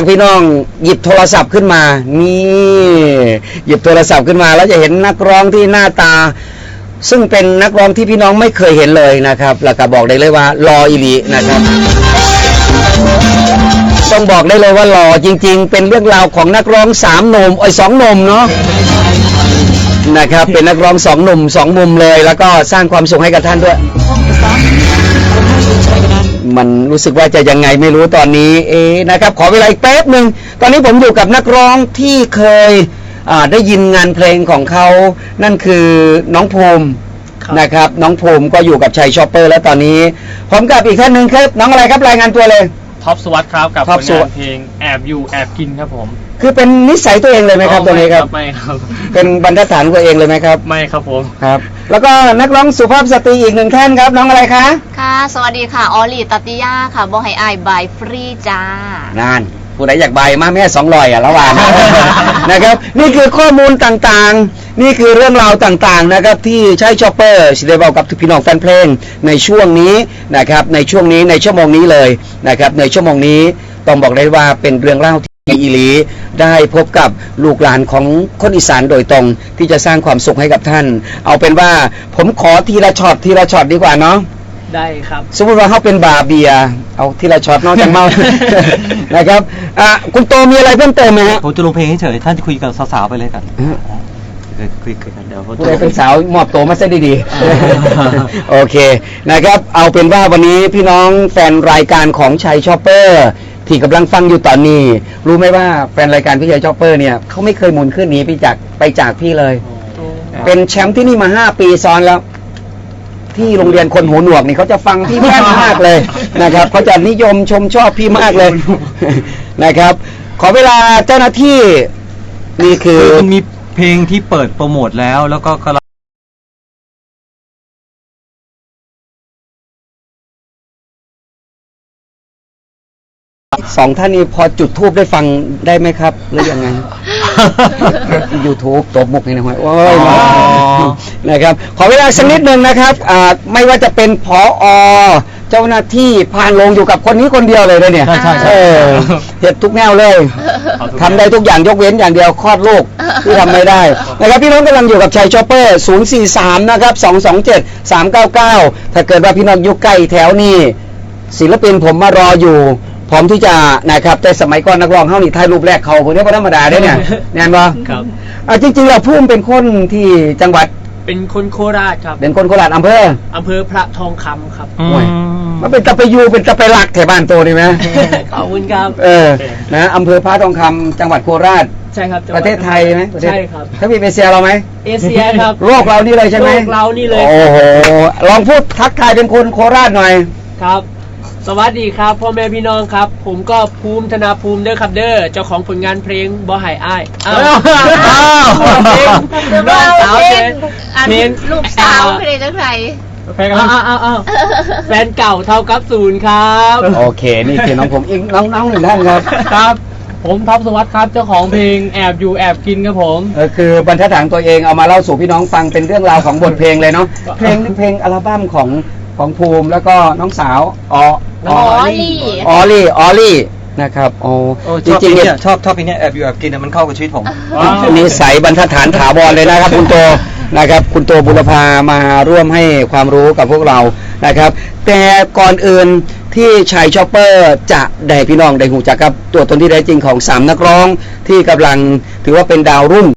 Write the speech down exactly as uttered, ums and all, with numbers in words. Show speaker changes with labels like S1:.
S1: ากพี่น้องหยิบโทรศัพท์ขึ้นมานี่หยิบโทรศัพท์ขึ้นมาแล้วจะเห็นนักร้องที่หน้าตาซึ่งเป็นนักร้องที่พี่น้องไม่เคยเห็นเลยนะครับแล้วก็บอกได้เลยว่ารออีหลีนะครับต้องบอกได้เลยว่าหล่อจริงๆเป็นเรื่องราวของนักร้องสามหนุ่มไอ้สองหนุ่มเนาะนะครับเป็นนักร้องสองหนุ่มสองมุมเลยแล้วก็สร้างความสุขให้กับท่านด้วยมันรู้สึกว่าจะยังไงไม่รู้ตอนนี้เอ๊นะครับขอเวลาอีกแป๊บหนึ่งตอนนี้ผมอยู่กับนักร้องที่เคยได้ยินงานเพลงของเขานั่นคือน้องภูมินะครับน้องภูมิก็อยู่กับชัยชอปเปอร์แล้วตอนนี้ผมกับอีกท่านหนึ่งครับน้องอะไรครับรายงานตัวเลย
S2: ท็อปสวัสดิ์ครับกับผลงานเพลงแอบอยู่แอบกินครับผม
S1: คือเป็นนิสัยตัวเองเลยไหมครับตัวนี้ครับ
S2: ไม่ครับ
S1: เป็นบรรทัดฐานตัวเองเลยไหมครับ
S2: ไม่ครับผม
S1: ครับแล้วก็นักร้องสุภาพสตรีอีกหนึ่งท่านครับน้องอะไรคะ
S3: ค่ะสวัสดีค่ะออลี่ตัตติยาค่ะบอไฮไอบายฟรีจ้าน
S1: านผู้ใดอยากใบมาแม่สองลอยอ่ะระหว่างนะครับนี่คือข้อมูลต่างๆนี่คือเรื่องราวต่างๆนะครับที่ใช้ชอปเปอร์สิได้บอกกับพี่น้องแฟนเพลงในช่วงนี้นะครับในช่วงนี้ในชั่วโมงนี้เลยนะครับในชั่วโมงนี้ต้องบอกได้ว่าเป็นเรื่องเล่าที่อีหลีได้พบกับลูกหลานของคนอีสานโดยตรงที่จะสร้างความสุขให้กับท่านเอาเป็นว่าผมขอทีละช็อตทีละช็อตดีกว่าเนาะ
S2: ได้ครับ
S1: สมมติว่าเขาเป็นบาเบียเอาทีละช็อตนอกจากเมา นะครับอ่ะคุณโตมีอะไรเพิ่มเติมไหมฮะ
S4: ผมจะลงเพลงเฉยๆท่านจะคุยกับสาวๆไปเลยกันคุยกันเดี๋ยว
S1: ผู้ใดเป็นสาวมอบโตมาซะดีๆโอเคนะครับเอาเป็นว่าวันนี้พี่น้องแฟนรายการของชัยชอปเปอร์ที่กำลังฟังอยู่ตอนนี้รู้ไหมว่าแฟนรายการพี่ชัยชอปเปอร์เนี่ยเขาไม่เคยหมุนขึ้นหนีไปจากไปจากพี่เลยเป็นแชมป์ที่นี่มาห้าปีซ้อนแล้วที่โรงเรียนคนหูหนวกนี่เขาจะฟังพี่มากมากเลยนะครับเขาจะนิยมชมชอบพี่มากเลยนะครับขอเวลาเจ้าหน้าที่นี่คือ
S4: มันมีเพลงที่เปิดโปรโมทแล้วแล้วก็กำลัง
S1: สองท่านนี้พอจุดทูบได้ฟังได้ไหมครับหรือยังไง YouTube ตบมุกนี่นะฮะโอ้ยนะครับขอเวลาสักนิดหนึ่งนะครับอ่าไม่ว่าจะเป็นผอ.เจ้าหน้าที่ผ่านลงอยู่กับคนนี้คนเดียวเลยเลยเนี่ย
S4: ใช่ใช่
S1: เออเห็ดทุกแนวเลยทำได้ทุกอย่างยกเว้นอย่างเดียวคลอดลูกที่ทำไม่ได้นะครับพี่น้องกำลังอยู่กับชัยชอปเปอร์ศูนย์ สี่ สามนะครับสอง สอง เจ็ด สาม เก้า เก้าถ้าเกิดว่าพี่น้องอยู่ใกล้แถวนี้ศิลปินผมมารออยู่พร้อมที่จะนะครับแต่สมัยก่อนนักร้องเฮานี่ถ่ายรูปแรกเขาคนนี้บ่ธรรมดาเด้เนี่ยแน่นบ่
S2: ครับ
S1: อ่าจริงๆเราพุ่มเป็นคนที่จังหวัด
S2: เป็นคนโคราชครับ
S1: เป็นคนโคราชอำเภอ
S2: อำเภอพระทองคำครับ
S1: โอ้ยมันเป็นตะไปยูเป็นตะไปหลักแถวบ้านโตนี่ไหม
S2: ขอบคุณครับ
S1: เออนะอำเภอพระทองคำจังหวัดโคราช
S2: ใช่ครับ
S1: ประเทศไทยไหม
S2: ใช่ครับ
S1: ถ้ามีเอเชียเราไหม
S2: เอเชียครับ
S1: โลกเรานี่เลยใช่ไหม
S2: โลกเรานี่เลย
S1: โอ้โหลองพูดทักทายเป็นคนโคราชหน่อย
S2: ครับสวัสดีครับพ่อแม่พี่น้องครับผมก็ภูมิธนาภูมิเด้อครับเด้อเจ้าของผลงานเพลงบ่หายอ้ายอ้าวเพลงน้องสาวเพลง
S3: ลูกสาวเพลงจังไร
S2: แฟนอ้าวอ้าวแฟนเก่าเท่ากับศูนย์ครับ
S1: โอเคนี่คือน้องผมอีกน้องๆหนึ่งท่านครับ
S2: ครับผมท็อปสวัสดิ์ครับเจ้าของเพลงแอบอยู่แอบกินครับผม
S1: เออคือบรรทัดฐานตัวเองเอามาเล่าสู่พี่น้องฟังเป็นเรื่องราวของบทเพลงเลยเนาะเพลงเพลงอัลบั้มของของภูมิแล้วก็น้องสาวอ๋อ
S3: ออลี่
S1: ออลี่ออลี่นะครับโอ้
S4: จริงๆเนี่ยชอบชอบเพลงนี้แอบอยู่แอบกินมันเข้ากับชีวิตผม
S1: นิสัยบรรทัดฐานถาวรเลยนะครับคุณโตนะครับคุณโตบุรพามาร่วมให้ความรู้กับพวกเรานะครับแต่ก่อนอื่นที่ชัยชอปเปอร์จะได้พี่น้องได้หูจักกับตัวตนที่แท้จริงของสามนักร้องที่กำลังถือว่าเป็นดาวรุ่ง